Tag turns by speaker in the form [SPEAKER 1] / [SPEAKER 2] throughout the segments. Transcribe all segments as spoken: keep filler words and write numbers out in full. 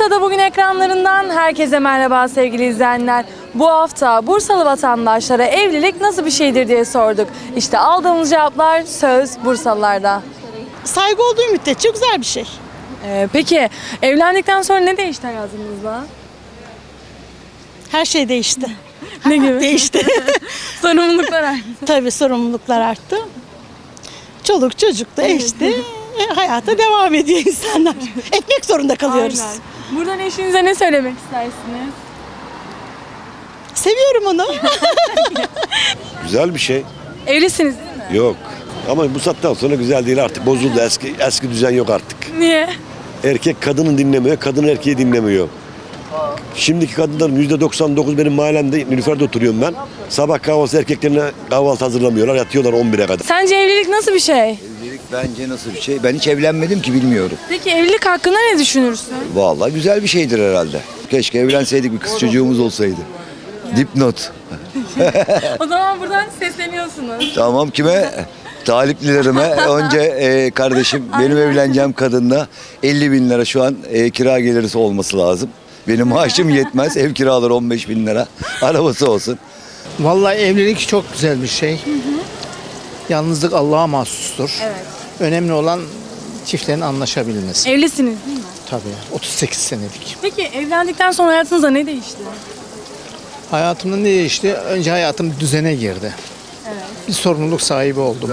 [SPEAKER 1] Bursa'da bugün ekranlarından herkese merhaba sevgili izleyenler. Bu hafta Bursalı vatandaşlara evlilik nasıl bir şeydir diye sorduk. İşte aldığımız cevaplar söz Bursalılarda.
[SPEAKER 2] Saygı olduğu müddetçe güzel bir şey.
[SPEAKER 1] Ee, peki evlendikten sonra ne değişti hayatınızda?
[SPEAKER 2] Her şey değişti.
[SPEAKER 1] Ne gibi?
[SPEAKER 2] Değişti.
[SPEAKER 1] Sorumluluklar arttı.
[SPEAKER 2] Tabii sorumluluklar arttı. Çoluk çocuk da işte e, hayata devam ediyor insanlar. Etmek zorunda kalıyoruz.
[SPEAKER 1] Aynen. Buradan eşinize ne söylemek istersiniz?
[SPEAKER 2] Seviyorum onu.
[SPEAKER 3] Güzel bir şey.
[SPEAKER 1] Evlisiniz değil mi?
[SPEAKER 3] Yok. Ama bu saatten sonra güzel değil artık. Bozuldu. Eski eski düzen yok artık.
[SPEAKER 1] Niye?
[SPEAKER 3] Erkek kadını dinlemiyor, kadın erkeği dinlemiyor. Şimdiki kadınların yüzde doksan dokuz benim mahallemde Nilüfer'de oturuyorum ben. Sabah kahvaltısı erkeklerine kahvaltı hazırlamıyorlar. Yatıyorlar on bire kadar.
[SPEAKER 1] Sence evlilik nasıl bir şey?
[SPEAKER 4] Evlilik bence nasıl bir şey? Ben hiç evlenmedim ki bilmiyorum.
[SPEAKER 1] Peki evlilik hakkında ne düşünürsün?
[SPEAKER 4] Vallahi güzel bir şeydir herhalde. Keşke evlenseydik, bir kız çocuğumuz olsaydı. Dipnot.
[SPEAKER 1] O zaman buradan sesleniyorsunuz.
[SPEAKER 4] Tamam, kime? Taliplilerime. Önce e, kardeşim benim evleneceğim kadınla elli bin lira şu an e, kira gelirisi olması lazım. Benim maaşım yetmez. Ev kiraları on beş bin lira. Arabası olsun.
[SPEAKER 5] Vallahi evlilik çok güzel bir şey. Yalnızlık Allah'a mahsustur.
[SPEAKER 1] Evet.
[SPEAKER 5] Önemli olan çiftlerin anlaşabilmesi.
[SPEAKER 1] Evlisiniz değil mi?
[SPEAKER 5] Tabii. otuz sekiz senelik.
[SPEAKER 1] Peki evlendikten sonra hayatınızda ne değişti?
[SPEAKER 5] Hayatımda ne değişti? Önce hayatım düzene girdi.
[SPEAKER 1] Evet.
[SPEAKER 5] Bir sorumluluk sahibi oldum.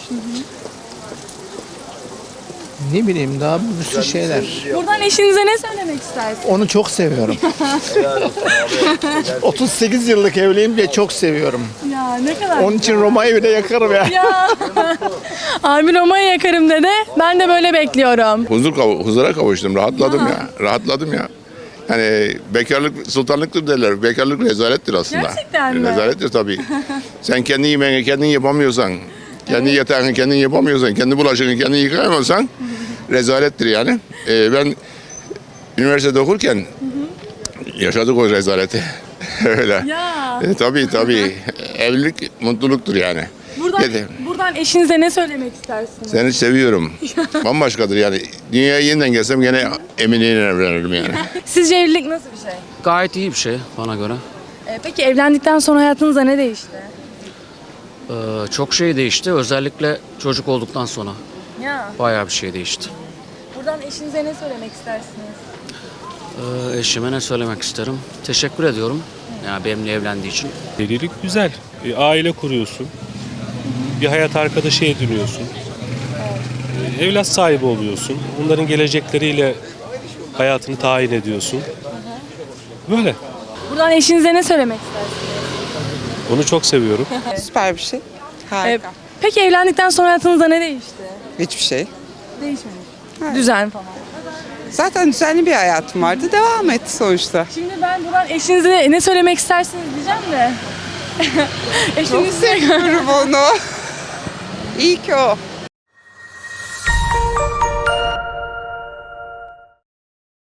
[SPEAKER 5] Ne bileyim daha bir sürü şeyler.
[SPEAKER 1] Buradan eşinize ne söylemek istersiniz?
[SPEAKER 5] Onu çok seviyorum. otuz sekiz yıllık evliyim diye çok seviyorum.
[SPEAKER 1] Ya ne kadar
[SPEAKER 5] Onun için Roma'yı bile yakarım ya.
[SPEAKER 1] Ya. Abi Roma'yı yakarım dedi. Ben de böyle bekliyorum.
[SPEAKER 6] Huzur kav- huzura kavuştum, rahatladım ya. Rahatladım ya. Yani bekarlık sultanlıktır derler. Bekarlık rezalettir aslında.
[SPEAKER 1] Gerçekten mi?
[SPEAKER 6] Rezalettir tabii. Sen kendi yemeğini kendin yapamıyorsan, kendi yatağını kendin yapamıyorsan, kendi bulaşığını kendin yıkayamıyorsan rezalettir yani. Ee, ben üniversitede okurken yaşadık o rezaleti. Öyle.
[SPEAKER 1] Ya.
[SPEAKER 6] E, tabii tabii. Evlilik mutluluktur yani.
[SPEAKER 1] Buradan,
[SPEAKER 6] Yeter.
[SPEAKER 1] buradan eşinize ne söylemek istersiniz?
[SPEAKER 6] Seni seviyorum. Bambaşkadır yani. Dünyaya yeniden gelsem gene Emine'yle evlenirim yani.
[SPEAKER 1] Sizce evlilik nasıl bir şey?
[SPEAKER 7] Gayet iyi bir şey bana göre.
[SPEAKER 1] Ee, peki evlendikten sonra hayatınızda ne değişti?
[SPEAKER 7] Ee, çok şey değişti. Özellikle çocuk olduktan sonra
[SPEAKER 1] Ya.
[SPEAKER 7] bayağı bir şey değişti.
[SPEAKER 1] Buradan eşinize ne söylemek istersiniz?
[SPEAKER 7] Ee, eşime ne söylemek isterim? Teşekkür ediyorum. Yani benimle evlendiği için.
[SPEAKER 8] Evlilik güzel. E, aile kuruyorsun. Bir hayat arkadaşı ediniyorsun. E, evlat sahibi oluyorsun. Onların gelecekleriyle hayatını tayin ediyorsun. Böyle.
[SPEAKER 1] Buradan eşinize ne söylemek istersiniz?
[SPEAKER 8] Onu çok seviyorum.
[SPEAKER 9] Süper bir şey. Harika.
[SPEAKER 1] Ee, peki evlendikten sonra hayatınızda ne değişti?
[SPEAKER 9] Hiçbir şey.
[SPEAKER 1] Değişmemiş. Düzen falan.
[SPEAKER 9] Zaten düzenli bir hayatım vardı. Devam etti sonuçta.
[SPEAKER 1] Şimdi ben buradan eşinize ne söylemek istersiniz diyeceğim de.
[SPEAKER 9] Çok
[SPEAKER 1] Eşiniz
[SPEAKER 9] seviyorum onu. İyi ki o.